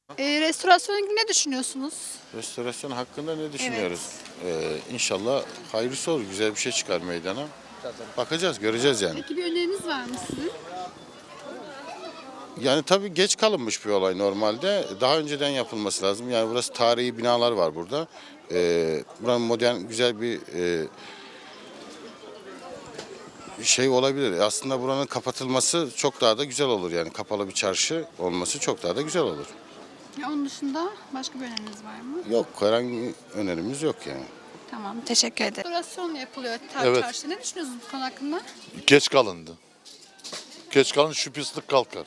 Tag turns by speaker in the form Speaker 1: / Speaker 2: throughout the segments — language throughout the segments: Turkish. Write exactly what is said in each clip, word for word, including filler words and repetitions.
Speaker 1: E, restorasyon ilgili ne düşünüyorsunuz?
Speaker 2: Restorasyon hakkında ne düşünüyoruz? Ee, inşallah hayırlısı olur, güzel bir şey çıkar meydana. Bakacağız, göreceğiz yani.
Speaker 1: Peki bir öneriniz var mı sizin?
Speaker 2: Yani tabii geç kalınmış bir olay normalde. Daha önceden yapılması lazım. Yani burası tarihi binalar var burada. Ee, buranın modern, güzel bir e, şey olabilir. Aslında buranın kapatılması çok daha da güzel olur. Yani kapalı bir çarşı olması çok daha da güzel olur.
Speaker 1: Ya onun dışında başka bir öneriniz var mı?
Speaker 2: Yok, herhangi bir önerimiz yok yani.
Speaker 1: Tamam, teşekkür ederim. Restorasyon yapılıyor tar
Speaker 3: Evet.
Speaker 1: çarşıda. Ne düşünüyorsunuz bu konu hakkında?
Speaker 3: Geç kalındı. Geç kalın şu pislik kalkar.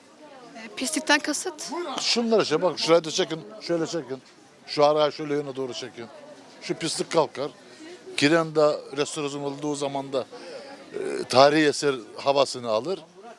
Speaker 1: E, pislikten kasıt?
Speaker 3: Şunlar işte bak şurayı da çekin. Şöyle çekin. Şu araya şöyle yöne doğru çekin. Şu pislik kalkar. Kirenda restorasyon olduğu zaman da e, tarihi eser havasını alır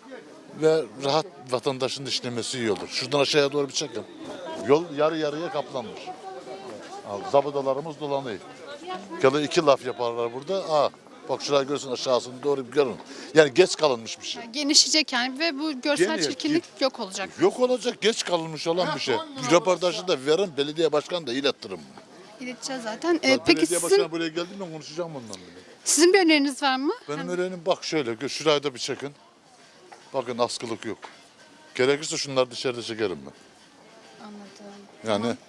Speaker 3: ve rahat vatandaşın işlemesi iyi olur. Şuradan aşağıya doğru bir çekin. Yol yarı yarıya kaplanmış. Al, zabıdalarımız dolanıyor. Ya iki laf yaparlar burada. Aa, bak şurayı görsün aşağısını doğru bir görün. Yani geç kalınmış bir şey.
Speaker 1: Yani genişleyecek yani ve bu görsel
Speaker 3: Geniyor,
Speaker 1: çirkinlik yok olacak.
Speaker 3: Yok olacak geç kalınmış olan bir şey. Bir röportajı da verin belediye başkanı da iletirim.
Speaker 1: İleteceğiz zaten. E,
Speaker 3: Peki
Speaker 1: peki
Speaker 3: belediye
Speaker 1: sizin,
Speaker 3: başkanı buraya geldiğinde konuşacağım bundan bile.
Speaker 1: sizin bir öneriniz var mı?
Speaker 3: Benim öğrenim bak şöyle gö- şurayı da bir çekin. Bakın askılık yok. Gerekirse şunları dışarıda çekerim ben.
Speaker 1: Anladım.
Speaker 3: Yani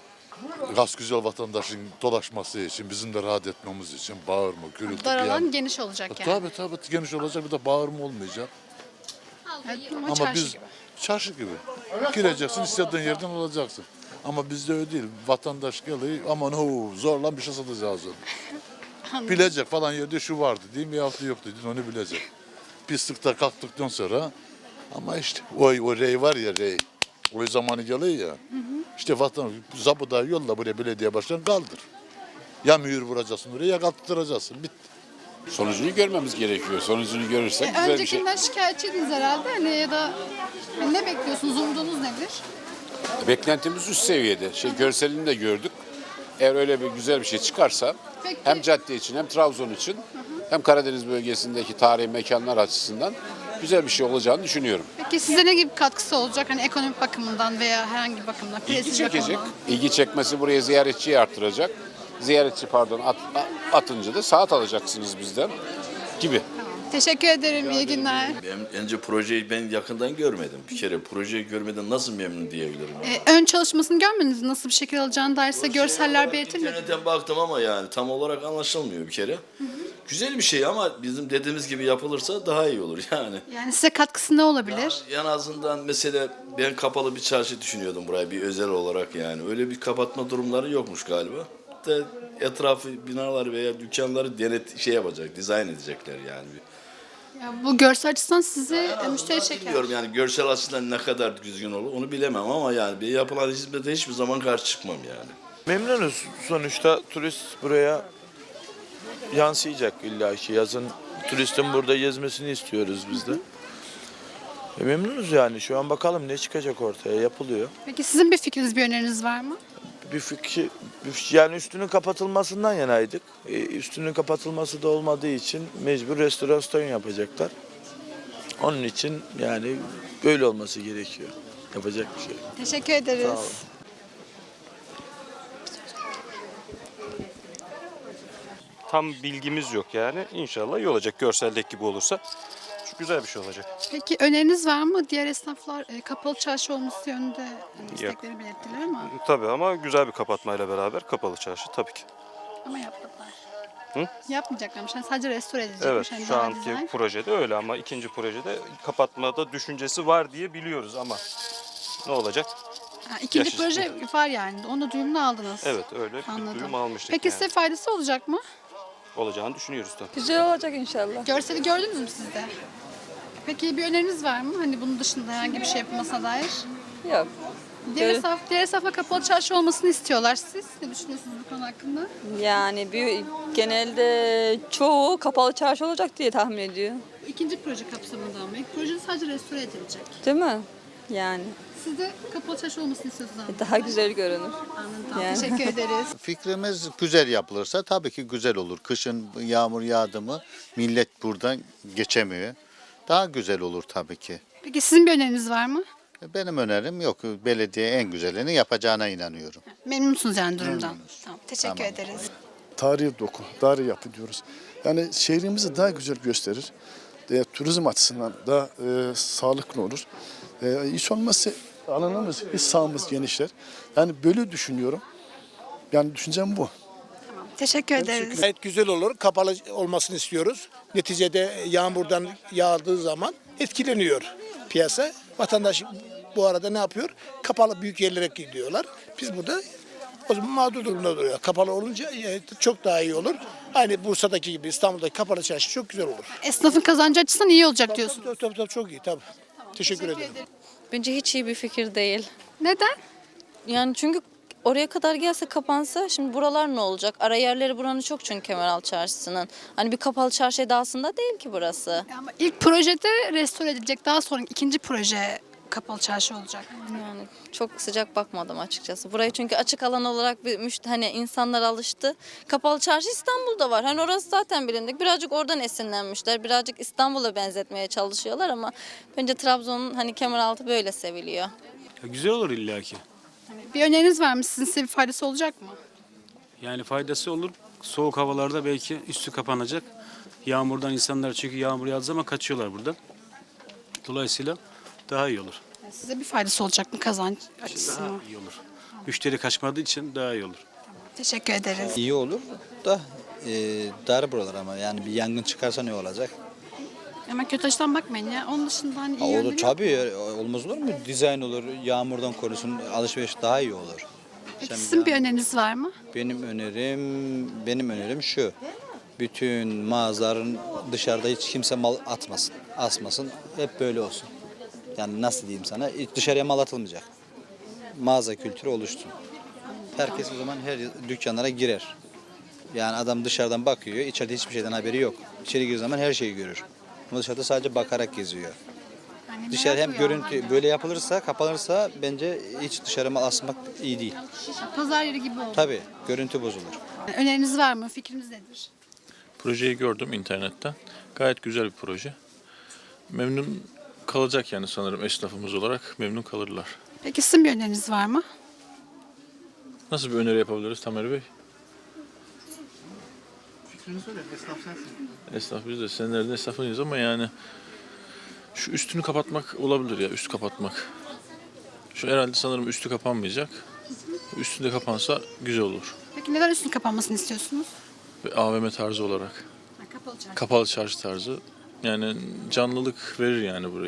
Speaker 3: gaz güzel vatandaşın dolaşması için, bizim de rahat etmemiz için bağırma, gürültü.
Speaker 1: Dar
Speaker 3: bir
Speaker 1: alan
Speaker 3: yan-
Speaker 1: geniş olacak yani.
Speaker 3: Tabii tabii geniş olacak bir de bağırma olmayacak.
Speaker 1: Evet, ama,
Speaker 3: Ama
Speaker 1: çarşı
Speaker 3: biz
Speaker 1: gibi.
Speaker 3: çarşı gibi. Gireceksin istediğin yerden alacaksın. Ama bizde öyle değil. Vatandaş geliyor aman ho zorla bir şey satacağız onu. Bilecek falan yerde şu vardı değil mi yahut yoktu değil onu bilecek. Pislikte kalktıktan sonra ama işte o, o rey var ya rey. O zamanı geliyor ya. İşte vatan zabıda yolla buraya belediye başkanı kaldır. Ya mühür vuracaksın oraya ya kalktıracaksın. Bitti.
Speaker 4: Sonucunu görmemiz gerekiyor. Sonucunu görürsek
Speaker 1: E,
Speaker 4: güzel bir şey.
Speaker 1: öncekinden şikayetçiydiniz herhalde hani ya da hani ne bekliyorsunuz? Umudunuz nedir?
Speaker 4: Beklentimiz üst seviyede. Şey görselini de gördük. Eğer öyle bir güzel bir şey çıkarsa
Speaker 1: Peki.
Speaker 4: hem cadde için hem Trabzon için hem Karadeniz bölgesindeki tarihi mekanlar açısından güzel bir şey olacağını düşünüyorum.
Speaker 1: Peki size ne gibi katkısı olacak hani ekonomik bakımından veya herhangi bir bakımdan?
Speaker 4: İlgi
Speaker 1: prestij
Speaker 4: çekecek.
Speaker 1: bakımından?
Speaker 4: İlgi çekmesi buraya ziyaretçiyi arttıracak. Ziyaretçi pardon at, atınca da saat alacaksınız bizden gibi.
Speaker 1: Teşekkür ederim. İyi günler.
Speaker 5: Ben, önce projeyi ben yakından görmedim. Bir kere projeyi görmeden nasıl memnun diyebilirim?
Speaker 1: E, ön çalışmasını görmediniz mi? Nasıl bir şekil alacağını dair size görseller belirtilmedi.
Speaker 5: İnternetten baktım ama yani tam olarak anlaşılmıyor bir kere. Güzel bir şey ama bizim dediğimiz gibi yapılırsa daha iyi olur yani.
Speaker 1: Yani size katkısı ne olabilir?
Speaker 5: En azından mesela ben kapalı bir çarşı düşünüyordum buraya bir özel olarak yani. Öyle bir kapatma durumları yokmuş galiba. De etrafı binalar veya dükkanları denet şey yapacak, dizayn edecekler yani.
Speaker 1: Ya bu görsel açısından sizi e, müşteri çeker.
Speaker 5: Bilmiyorum yani görsel açıdan ne kadar düzgün olur onu bilemem ama yani bir yapılan hizmete hiçbir zaman karşı çıkmam yani.
Speaker 6: Memnunuz. Sonuçta turist buraya yansıyacak illaki. Yazın turistin burada gezmesini istiyoruz biz de. E memnunuz yani. Şu an bakalım ne çıkacak ortaya. Yapılıyor.
Speaker 1: Peki sizin bir fikriniz, bir öneriniz var mı?
Speaker 6: Bir fikir, bir- yani üstünün kapatılmasından yanaydık. E, üstünün kapatılması da olmadığı için mecbur restorasyon yapacaklar. Onun için yani böyle olması gerekiyor. Yapacak bir şey yok.
Speaker 1: Teşekkür ederiz.
Speaker 6: Sağ olun.
Speaker 7: Tam bilgimiz yok yani. İnşallah iyi olacak. Görseldeki gibi olursa çok güzel bir şey olacak.
Speaker 1: Peki öneriniz var mı? Diğer esnaflar e, kapalı çarşı olması yönünde e, istekleri belirttiler ama
Speaker 7: Tabii ama güzel bir kapatmayla beraber kapalı çarşı tabii ki.
Speaker 1: ama yapmadılar.
Speaker 7: Hı?
Speaker 1: Yapmayacaklarmış. Yani sadece restore edilecekmiş.
Speaker 7: Evet
Speaker 1: hani
Speaker 7: şu
Speaker 1: daha
Speaker 7: anki
Speaker 1: dizayn.
Speaker 7: projede öyle ama ikinci projede kapatmada düşüncesi var diye biliyoruz ama ne olacak?
Speaker 1: Ha, ikinci
Speaker 7: Yaşasın.
Speaker 1: proje var yani. Onu duyumunu aldınız.
Speaker 7: Evet öyle bir
Speaker 1: Anladım.
Speaker 7: duyum almıştık
Speaker 1: Peki
Speaker 7: yani.
Speaker 1: size faydası olacak mı?
Speaker 7: Olacağını düşünüyoruz tabii.
Speaker 8: Güzel olacak inşallah.
Speaker 1: Görseli gördünüz mü siz de? Peki bir öneriniz var mı? Hani bunun dışında herhangi bir şey yapılmasına dair.
Speaker 8: Yok.
Speaker 1: Diğer
Speaker 8: Evet.
Speaker 1: esnaf, diğer esnafla kapalı çarşı olmasını istiyorlar. Siz ne düşünüyorsunuz bu konu hakkında?
Speaker 8: Yani bir, genelde çoğu kapalı çarşı olacak diye tahmin ediyor.
Speaker 1: İkinci proje kapsamında ama ilk proje sadece restore edilecek.
Speaker 8: Değil mi? Yani
Speaker 1: Siz de kapalı çarşı olmasını istiyorsunuz ama.
Speaker 8: daha güzel görünür.
Speaker 1: Anladım.
Speaker 8: Yani.
Speaker 1: Teşekkür ederiz.
Speaker 9: Fikrimiz güzel yapılırsa tabii ki güzel olur. Kışın yağmur yağdı mı millet buradan geçemiyor. Daha güzel olur tabii ki.
Speaker 1: Peki sizin bir öneriniz var mı?
Speaker 9: Benim önerim yok. Belediye en güzelini yapacağına inanıyorum.
Speaker 1: Memnunsunuz yani durumdan. Tamam, teşekkür
Speaker 9: Tamam.
Speaker 1: ederiz.
Speaker 10: Tarihi doku, tarihi yapı diyoruz. Yani şehrimizi daha güzel gösterir. E, turizm açısından daha e, sağlıklı olur. E, hiç olmazsa alanımız, bir sahamız genişler. Yani böyle düşünüyorum. Yani düşüncem bu.
Speaker 1: Teşekkür ederiz.
Speaker 11: Gayet güzel olur. Kapalı olmasını istiyoruz. Neticede yağmurdan yağdığı zaman etkileniyor piyasa. Vatandaş bu arada ne yapıyor? Kapalı büyük yerlere gidiyorlar. Biz burada o zaman mağdur durumda duruyor. Kapalı olunca e, çok daha iyi olur. Aynı Bursa'daki gibi İstanbul'daki kapalı çarşı çok güzel olur.
Speaker 1: Esnafın kazancı açısından iyi olacak diyorsunuz.
Speaker 11: Tabii, tabii, tabii, çok iyi tabii. Teşekkür ederim.
Speaker 8: Bence hiç iyi bir fikir değil.
Speaker 1: Neden?
Speaker 8: Yani çünkü oraya kadar gelse kapansa şimdi buralar ne olacak? Ara yerleri buranın çok çünkü Kemeraltı Çarşısı'nın. Hani bir kapalı çarşı edasında değil ki burası.
Speaker 1: Ama ilk projede restore edilecek. Daha sonra ikinci proje kapalı çarşı olacak.
Speaker 8: Yani çok sıcak bakmadım açıkçası. Burayı çünkü açık alan olarak bir müşt hani insanlar alıştı. Kapalı çarşı İstanbul'da var. Hani orası zaten bilindik. Birazcık oradan esinlenmişler. Birazcık İstanbul'a benzetmeye çalışıyorlar ama bence Trabzon'un hani Kemeraltı böyle seviliyor.
Speaker 7: Ya güzel olur illaki.
Speaker 1: Bir öneriniz var mı? Sizin size bir faydası olacak mı?
Speaker 7: Yani faydası olur. Soğuk havalarda belki üstü kapanacak. Yağmurdan insanlar çünkü yağmur yağdığı zaman kaçıyorlar buradan. Dolayısıyla daha iyi olur.
Speaker 1: Size bir faydası olacak mı kazanç
Speaker 7: Daha
Speaker 1: açısından?
Speaker 7: iyi olur. Müşteri kaçmadığı için daha iyi olur.
Speaker 1: Teşekkür ederiz.
Speaker 12: İyi olur da e, dar buralar ama yani bir yangın çıkarsa ne olacak?
Speaker 1: Ama kötü açıdan bakmayın ya. Onun dışında hani
Speaker 12: Ha,
Speaker 1: iyi
Speaker 12: olur
Speaker 1: yönleri yok.
Speaker 12: tabii ya, olmaz olur mu? Dizayn olur, yağmurdan korusun, alışveriş daha iyi olur.
Speaker 1: Peki
Speaker 12: Sen
Speaker 1: sizin bir
Speaker 12: yani-
Speaker 1: öneriniz var mı?
Speaker 12: Benim önerim, benim önerim şu. Bütün mağazaların dışarıda hiç kimse mal atmasın, asmasın. Hep böyle olsun. Yani nasıl diyeyim sana? Hiç dışarıya mal atılmayacak. Mağaza kültürü oluşsun. Herkes o zaman her dükkanlara girer. Yani adam dışarıdan bakıyor, içeride hiçbir şeyden haberi yok. İçeri girdiği zaman her şeyi görür. Ama dışarıda sadece bakarak geziyor.
Speaker 1: Yani
Speaker 12: Dışarı
Speaker 1: merak
Speaker 12: hem
Speaker 1: uyuyanlar
Speaker 12: görüntü
Speaker 1: var.
Speaker 12: böyle yapılırsa, kapanırsa bence hiç dışarı mal asmak iyi değil.
Speaker 1: Pazar yeri gibi oldu.
Speaker 12: Tabii görüntü bozulur.
Speaker 1: Öneriniz var mı? Fikriniz nedir?
Speaker 13: Projeyi gördüm internetten. Gayet güzel bir proje. Memnun kalacak yani sanırım esnafımız olarak memnun kalırlar.
Speaker 1: Peki sizin bir öneriniz var mı?
Speaker 13: Nasıl bir öneri yapabiliriz Tamer Bey?
Speaker 3: Fikrini söyle, esnaf sensin.
Speaker 13: Esnaf biz de senelerde esnafıyız ama yani şu üstünü kapatmak olabilir ya, üst kapatmak. Şu herhalde sanırım üstü kapanmayacak. Üstünde kapansa güzel olur.
Speaker 1: Peki neden üstünün kapanmasını istiyorsunuz?
Speaker 13: Ve A V M tarzı olarak.
Speaker 1: Ha, kapalı çarşı.
Speaker 13: Kapalı çarşı tarzı. Yani canlılık verir yani buraya.